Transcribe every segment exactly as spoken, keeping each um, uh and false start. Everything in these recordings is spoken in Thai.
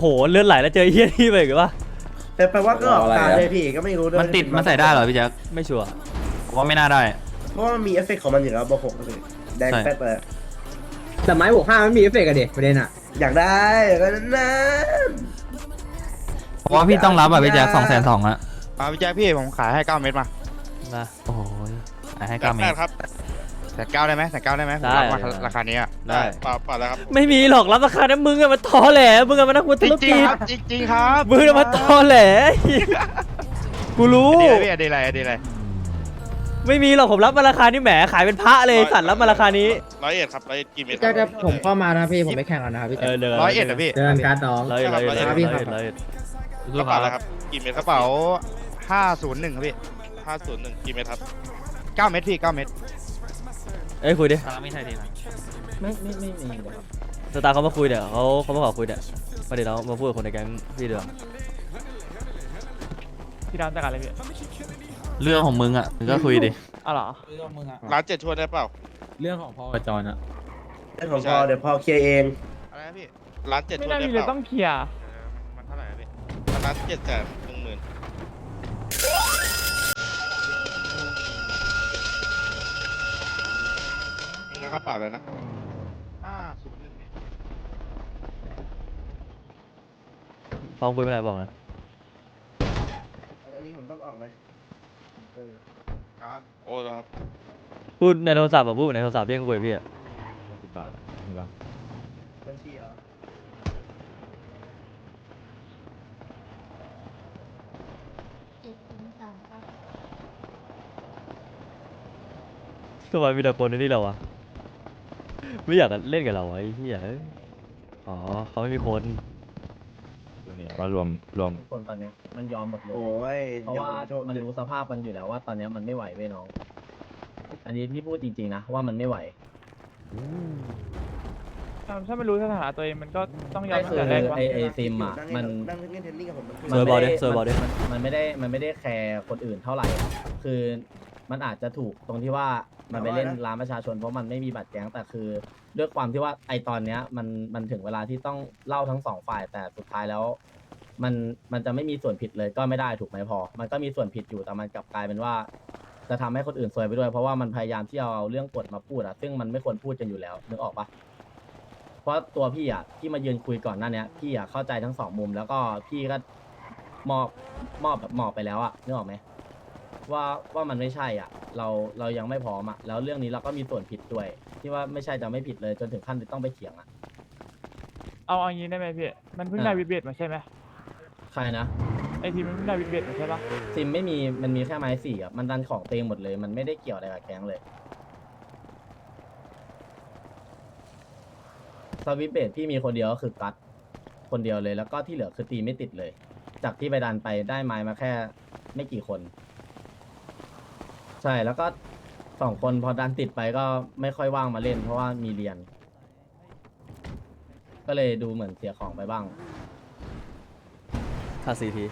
หเลือดไหลแล้วเจอเฮี้ยนี่ไปหรือวะแต่แปลว่าก็ออกตาเลยพี่ก็ไม่รู้ด้วยมันติดมันใส่ได้เหรอพี่แจ็คไม่ชัวร์ผมว่าไม่น่าได้เพราะว่ามันมีเอฟเฟกต์ของมันอยู่แล้วบอกหกเลยแดงแป๊ดเลยแต่ไม้บวกห้าไม่มีเอฟเฟกต์อะเด็กประเด็นอะอยากได้ก็นั้นผมว่าพี่ต้องรับอ่ะพี่แจ็คสองแสนสองอะมาพี่แจ๊คพี่ผมขายให้เก้าเม็ดมานะโอ้ยให้เก้าเมตรครับแสนเก้าได้ไหมแสนเก้าได้ไหมผมรับมาราคานี้อ่ะได้เปล่าเปล่าแล้วครับไม่มีหรอกรับราคานั้นมึงอะมาตอแหลมึงอะมานักธุจรริงกิจๆครับจริงๆครับมึงอะมาตอแหลกูรู้ดีเลยพี่ดีเลยดีเลยไม่มีหรอกผมรับมาราคานี้แหมขายเป็นพระเลยสัตว์รับมาราคานี้ร้อยเอ็ดครับร้อยเอ็ดกี่เมตรจะจะผมเข้ามานะพี่ผมไม่แข่งแล้วนะครับพี่เออเดี๋ยวร้อยเอ็ดเหรอพี่เดินการน้องร้อยเอ็ดร้อยเอ็ดครับร้อยพี่เอ็ดครับร้อยเอ็ดกระเป๋าแล้วครับกี่เมตรกระเป๋าห้าศูนย์หนึ่งครับพี่ห้าศูนย์หนึ่งกี่เมตรครับเก้าเม็ดพี่เก้าเม็ดเอ้ยคุยดิไม่ใช่ทีนะไม่ไม่ไม่มีเลยครับสตาร์เขามาคุยเดี๋ยวเขาเขามาขอคุยเดี๋ยวมาเดี๋ยวเรามาพูดกับคนในแก๊งพี่เดือพี่ดำจัดการอะไรพี่เรื่องของมึงอ่ะมึงก็คุยดิอ๋อเหรอร้านเจ็ดชวนได้เปล่าเรื่องของพอกับจอนอะเรื่องของพอเดี๋ยวพอเคลียร์เองอะไรนะพี่ร้านเจ็ดไม่ชวนน่าได้มีเปเลยล่าต้องเคลียร์เออมันเท่าไหร่นะพี่ร้านเจ็ดแสนหนึ่งหมื่นนะครับเปล่าเลยนะห้าศูนย์หนึ่งฟังคุยไม่ได้บอกนะอันนี้ผมต้องออกไหมครับโอ้ครับพูดในโทรศัพท์อะพูดในโทรศัพท์ที่คุยกับพี่อะบัญชีเหรอทำไมมีแต่คนในนี่เราวะไม่อยากเล่นกับเราไอ้เหี้ยเอ้ยอ๋อเขาไม่มีคนเนี่ยมารวมรวมคนตอนนี้มันยอมหมดเลยโอ้ยเพราะว่ามันรู้สภาพมันอยู่แล้วว่าตอนนี้มันไม่ไหวเว้ยน้อง อันนี้พี่พูดจริงๆนะว่ามันไม่ไหวถ้าไม่รู้สถานะตัวเองมันก็ต้องยอมก็คือแต่แรกว่าไอไอซิมอะมันนั่งเล่นเทนนิ่งกับผมเซอร์บอลดิเซอร์บอลดิมันมันไม่ได้มันไม่ได้แคร์คนอื่นเท่าไหร่อะคือมันอาจจะถูกตรงที่ว่ามันไปเล่นร้านประชาชนเพราะมันไม่มีบัตรแก๊งแต่คือด้วยความที่ว่าไอตอนเนี้ยมันมันถึงเวลาที่ต้องเล่าทั้งสองฝ่ายแต่สุดท้ายแล้ว มันมันจะไม่มีส่วนผิดเลยก็ไม่ได้ถูกไหมพอ มันก็มีส่วนผิดอยู่แต่มันกลับกลายเป็นว่า จะทำให้คนอื่นซวยไปด้วยเพราะว่ามันพยายามที่จะเอาเรื่องกฎมาพูดอะซึ่งมันไม่ควรพูดกันอยู่แล้วนึกออกปะเพราะตัวพี่อะที่มายืนคุยก่อนหน้าเนี้ยพี่อะเข้าใจทั้งสองมุม แล้วก็พี่ก็มอบมอบแบบมอบไปแล้วอะนึกออกไหมว่าว่ามันไม่ใช่อ่ะ เราเรายังไม่พร้อมอ่ะแล้วเรื่องนี้เราก็มีส่วนผิดด้วย ที่ว่าไม่ใช่จะไม่ผิดเลยจนถึงขั้นที่ต้องไปเถียงอ่ะเอาอย่างนี้ได้ไหมพี่ มันเพิ่งอ่ะได้วิดเบตมาใช่ไหมใครนะไอทีมมันเพิ่งได้วิดเบตมาใช่ปะซิมไม่มีมันมีแค่ไม้สี่อ่ะมันดันของเต็มหมดเลย มันไม่ได้เกี่ยวอะไรกับแก๊งเลยสวิตช์เบสพี่มีคนเดียวก็คือกัดคนเดียวเลยแล้วก็ที่เหลือคือตีไม่ติดเลย จากที่ไปดันไปได้ไม้มาแค่ไม่กี่คน ใช่แล้วก็สองคนพอดันติดไปก็ไม่ค่อยว่างมาเล่น เพราะว่ามีเรียน ก็เลยดูเหมือนเสียของไปบ้างค่าซีที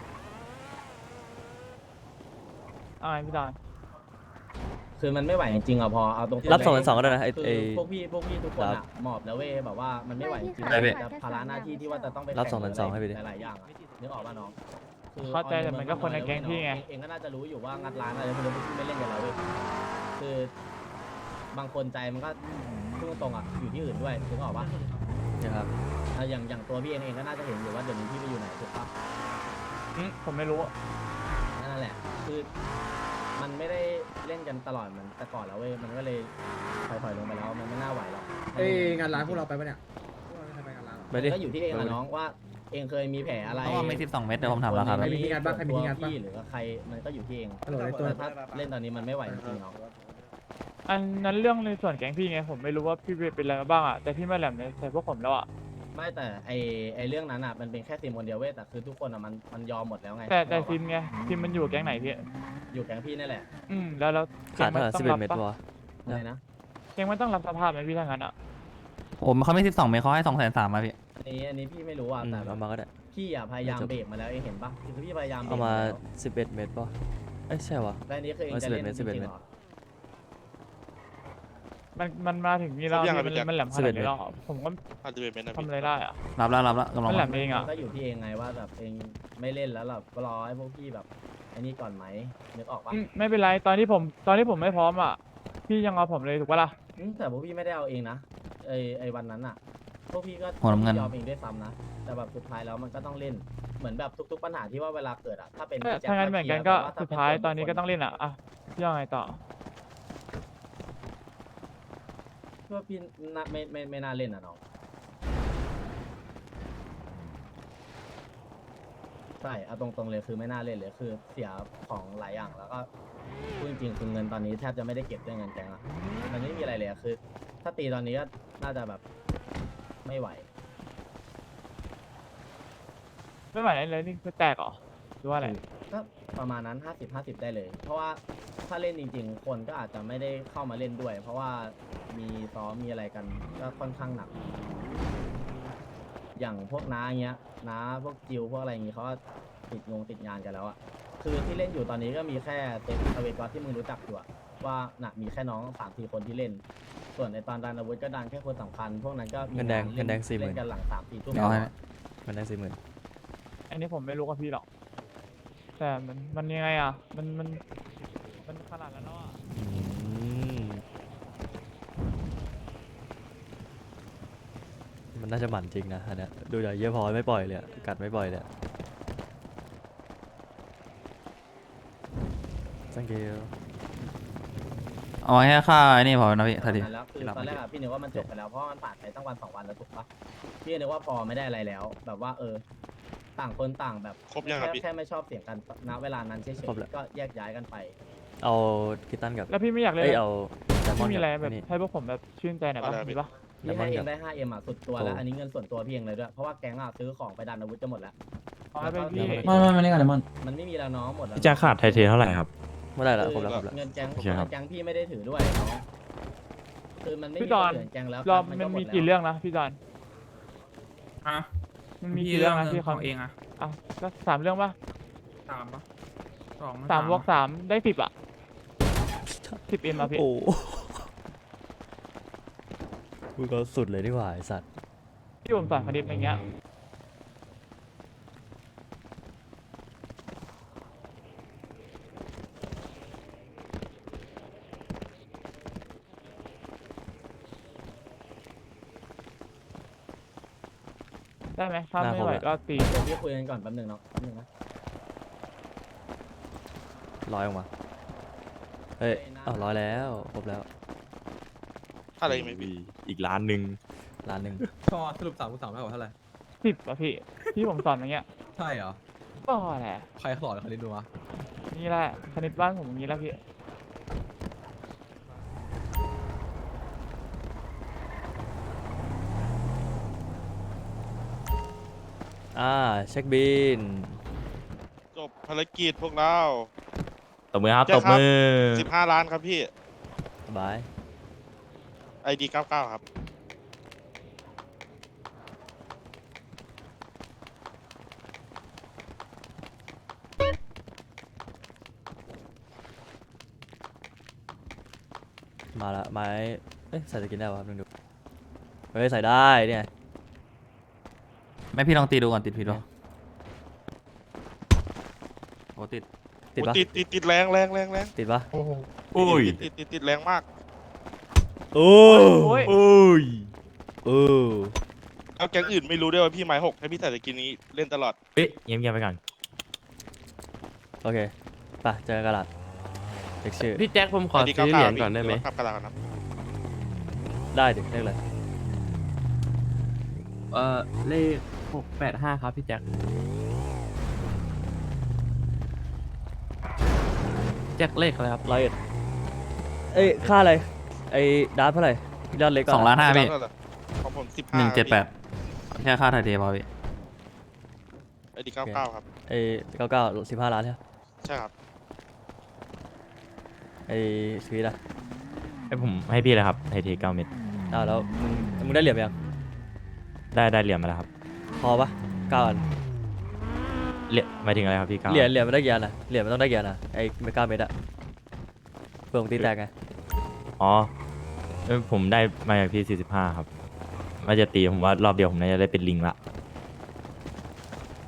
เอาไงพี่ดอนคือมันไม่ไหวจริงๆอ่ะพอเอาตรงรับสองพันสองก็ได้นะไอ้คือไอ้พวกพี่พวกพี่ทุกคนครัอ่ะบหมอบแล้วเว้ยแบบว่ามันไม่ไหวจริงๆได้พี่แต่ภาระหน้าที่ที่ว่าจะต้องไปรับแข่สองพันสองให้ไปดิหลายๆอย่างอะนึกออกป่ะน้องคือเข้าใจแต่มันก็คนในแก๊งพี่ไงเองเองก็น่าจะรู้อยู่ว่างัดร้านอะไรพวกนี้พี่ไม่เล่นกับเราเว้ยคือบางคนใจมันก็พูดตรงๆอ่ะอยู่ที่อื่นด้วยนึกออกป่ะนะครับอ่ะอย่างอย่างตัวพี่เองเองก็น่าจะเห็นอยู่ว่าเดี๋ยวนี้พี่ไปอยู่ไหนถูกป่ะอืมผมไม่รู้นั่นแหละ คือมันไม่ได้เล่นกันตลอดเหมือนแต่ก่อนแล้วเว้ย มันก็เลยถอยๆลงไปแล้ว มันไม่น่าไหวหรอกเอ้ยงานร้านพวกเราไปปะเนี่ยพวกเราไม่เคยไปงานร้านหรอไปดิก็อยู่ที่เองอะน้องว่าเองเคยมีแผลอะไรเพราะว่าไม่สิบสองเมตรเดี๋ยวผมถามราคาใแล้วมีที่งานบ้างใครมีที่งานบ้างพี่หรือว่าใครมันก็อยู่ที่เองฮัลโหลไอ้ตัวแต่ถ้าเล่นตอนนี้มันไม่ไหวจริงๆน้องอันนั้นเรื่องในส่วนแก๊งพี่ไงผมไม่รู้ว่าพี่เป็นอะไรมาบ้างอ่ะแต่พี่ไม่แหลมในใส่พวกผมแล้วอ่ะไม่แต่ไอไอเรื่องนั้นอ่ะมันเป็นแค่ซิมคนเดียวเว้ย แต่คือทุกคนอ่ะมันมันยอมหมดแล้วไงแต่แต่ซิมไงซิมมันอยู่แก๊งไหนพี่อยู่แก๊งพี่นี่แหละอืมแล้วแล้วขาดเท่าไหร่ต้สิอบ งเอ็รัดเมตรปะวะอะไรนะแก๊งมันต้องรับสภาพไหมพี่ถ้างั้นอ่ะผมเขาไม่สิบสองเมตรเขาให้สองแสนสามมาพี่อันนี้อันนี้พี่ไม่รู้อ่ะอืมแต่แบเอาบมาก็ได้พี่อ่ะพยายามเบรกมาแล้วเองเห็นปะคือพี่พยายามเบรเอากมามาแล้วสิบเอ็ดเมตรป่ะเอ้ยใช่วะแล้วอันนี้คือเองจะเล่นจสิบเอ็ดริงเมตรๆเหรอมันมันมาถึงนี่แล้วครบยังพี่อะพี่แจ็คมันมันแหลมขนาดนี้แล้วอะผมก็ห้าสิบเอ็ดเมตรนะทำพี่อะไรได้อะรับแล้วรับแล้วกำลังมันแหลมามเองอะก็อยู่ที่เองไงว่าแบบเองไม่เล่นแล้วเราก็รอให้พวกพี่แบบไอ้นี่ก่อนไหมนึกออกปะอืมไม่เป็นไรตอนที่ผมตอนที่ผมไม่พร้อมอะพี่ยังเอาผมเลยถูกปะล่ะอืมแต่พวกพี่ไม่ได้เอาเองนะไอไอวันนั้นอ่ะพวกพี่ก็หัวน้ำเงินยอมเองด้วยซ้ำนะแต่แบบสุดท้ายแล้วมันก็ต้องเล่นเหมือนแบบทุกๆปัญหาที่ว่าเวลาเกิดอ่ะถ้าเป็นถ้าพี่แจ็คถ้างั้นเหมือนกันก็เคลียร์แต่ว่สุดท้ายถ้เป็ตอนนี้ก็ต้องเล่นอะอ่ะพี่ยังไงต่อพี่ว่าพี่น่าไม่ไม่ไม่น่าเล่นอ่ะน้องใช่เอาตรงๆเลยคือไม่น่าเล่นเลยคือเสียของหลายอย่างแล้วก็พูดจริงๆคือเงินตอนนี้แทบจะไม่ได้เก็บด้วยเงินแกงอ่ะมันไม่มีอะไรเลยอะคือ ถ้าตีตอนนี้ก็น่าจะแบบไม่ไหวไม่ไหวเลยนี่คือแตกเหรอหรือว่าอะไรก็ประมาณนั้นห้าสิบห้าสิบได้เลย เพราะว่าถ้าเล่นจริงๆ คนก็อาจจะไม่ได้เข้ามาเล่นด้วย เพราะว่ามีซ้อมมีอะไรกันก็ค่อนข้างหนัก อย่างพวกน้าเงี้ยน้าพวกจิวพวกอะไรอย่างงี้เขาก็ติดงงติดงานกันแล้วอะคือที่เล่นอยู่ตอนนี้ก็มีแค่เต็มอเวกอที่มึงรู้จักอยู่อะว่าน่ะมีแค่น้องสามสี่คนที่เล่น ส่วนในตอนดันอาวุธก็ดันแค่คนสำคัญ พวกนั้นก็มีเงินแดงล่เงินแดงสี่หมื่นเล่นกันหลังสามสี่ทุ่มเดี๋ยวให้มันได้สี่หมื่นอันนี้ผมไม่รู้กับพี่หรอก แต่มันมันยังไงอ่ะ มันมันมันขนาดนั้นแล้วอ่ะอืมมันน่าจะหมั่นจริงนะอันเนี้ยดูจากเยอะพอไม่ปล่อยเลยอะกัดไม่ปล่อยเลยอะ thank you เอาไว้แค่ค่าไอ้นี่พอนะพี่ทันทีนั้นแล้วคือตอนแรกอะพี่นึกว่ามันจบไปแล้วเพราะว่ามันผ่านไปตั้งวันสองวันแล้วถูกปะพี่นึกว่าพอไม่ได้อะไรแล้ว แบบว่าเออ ต่างคนต่างแบบครบยังครับแค่พี่แค่ไม่ชอบเสียงกันณเวลานั้นเฉยครบแล้วๆก็แยกย้ายกันไปเอาคิตตันกับแล้วพี่ไม่อยากเล่นเอ้ยเอาแซมมอไม่นมีกับอะไรแบอับนนี้ให้พวกผมแบบชื่นใจหน่อยปะอะไรอะพี่มีปะพี่ให้แล้วมันเอกังบได้ ห้าเอ็มอ่ะสุดตัวแล้วโอ้อันนี้เงินส่วนตัวพี่เองเลยด้วย เพราะว่าแก๊งอ่ะซื้อของไปดันอาวุธจะหมดแล้วเอาให้ไปพี่ไม่ไม่ไม่ได้กันเลยมันมันไม่มีแล้วน้องหมดแล้วพี่แจ็คขาดไทเทเท่าไหร่ครับไม่ได้แล้วครบคือแล้วครบแล้วเงินแก๊งโอเคครับเงินแก๊งพี่ไม่ได้ถือด้วยน้องคือมันไม่พี่มีจคอนนอื่นแก๊งแล้วรอบก็มันหมีดแล้วกี่เรื่องนะพี่จอนฮะมันมีกี่เรื่องนะที่เขาเองอะอ่ะก็สามเรื่องปะสามปะสองสามบวกสามได้สิบอ่ะสิบเอ็มอ่ะพี่โอ้กูก็สุดเลยดีกว่าไอสัตว์ที่ผมสอนคณิตอะไรเงี้ย ได้ไหมถ้าไม่ไหวก็ตีเดี๋ยวพี่คุยกันก่อนแป๊บหนึงเนาะแป๊บหนึงนะร้อยออกมาเฮ้ยอ้าวร้อยแล้วครบแล้วค่าอะไรไหมพี่อีกล้านหนึ่งล้านหนึ่งก็สรุปสามคูณสามเท่ากับเท่าไหร่สิบอ่ะพี่ที่ผมสอนอย่างเงี้ยใช่เหรอก็แหละใครสอนคณิตดูวะนี่แหละคณิตบ้านผมอย่างนี้แล้วพี่อ่าเช็คบินจบภารกิจพวกเราตบมือครับแจ็ตคบครับมือสิบห้าล้านครับพี่บายไอดีเก้าเก้าครับมาละไม้เอ้ยใส่สกินได้ป่ะครับลองดูเฮ้ยใส่ได้เนี่ยไม่พี่ลองตีดูก่อนติดผิดปะโอ้ติดติดปะโอ้ติดติดติดแรงแรงแรงแรงติดปะโอ้ยติดติดติดติดแรงมากโอ้โอ้ยโอ้ยเออแล้วแก๊งอื่นไม่รู้ด้วยว่าพี่ไม้หกให้พี่ใส่สกินนี้เล่นตลอดเอ๊ะเงียบเงียบๆไปก่อนโอเคไปเจอกันกระดาษเช็คชื่อพี่แจ็คผมขอไอดีซื้เก้าอเหเก้ารียญก่อนได้ไหมครับกระดาษก่อนนะได้ดิเรียกเลยเอ่อเลขหกแปดห้าครับพี่แจ็คแจ็คเลขอะไรครับร้อยเอ็ดเอ้ยค่าอะไรไอ้ดาร์ฟเท่าไหร่ยอดเล็กก่อนสองล้านห้าพี่ของผมสิบห้าหนึ่งเจ็ดแปดแค่ค่าไทยเทพอพี่ไอดีเก้าเก้าครับไอ้เก้าเก้าสิบห้าล้านใช่ปะใช่ครับไอ้สวีทอะให้ผมให้พี่เลยครับไทเทเก้าเม็ดอ้าวแล้วมึงมึงได้เหรียญไปยังได้ได้เหรียญมาแล้วครับพอปะเก้าอันเหรียญหมายถึงอะไรครับพี่เก้าเหรียญเหรียญมันได้กี่อันอะเหรียญมันต้องได้กี่อันอะไอ้เมกาเม็ดอะเพื่อมึงตีแตกไงอ๋อเอ้ยผมได้มาจากพี่สี่สิบห้าครับว่าจะตีผมว่ารอบเดียวผมน่าจะได้เป็นลิงละ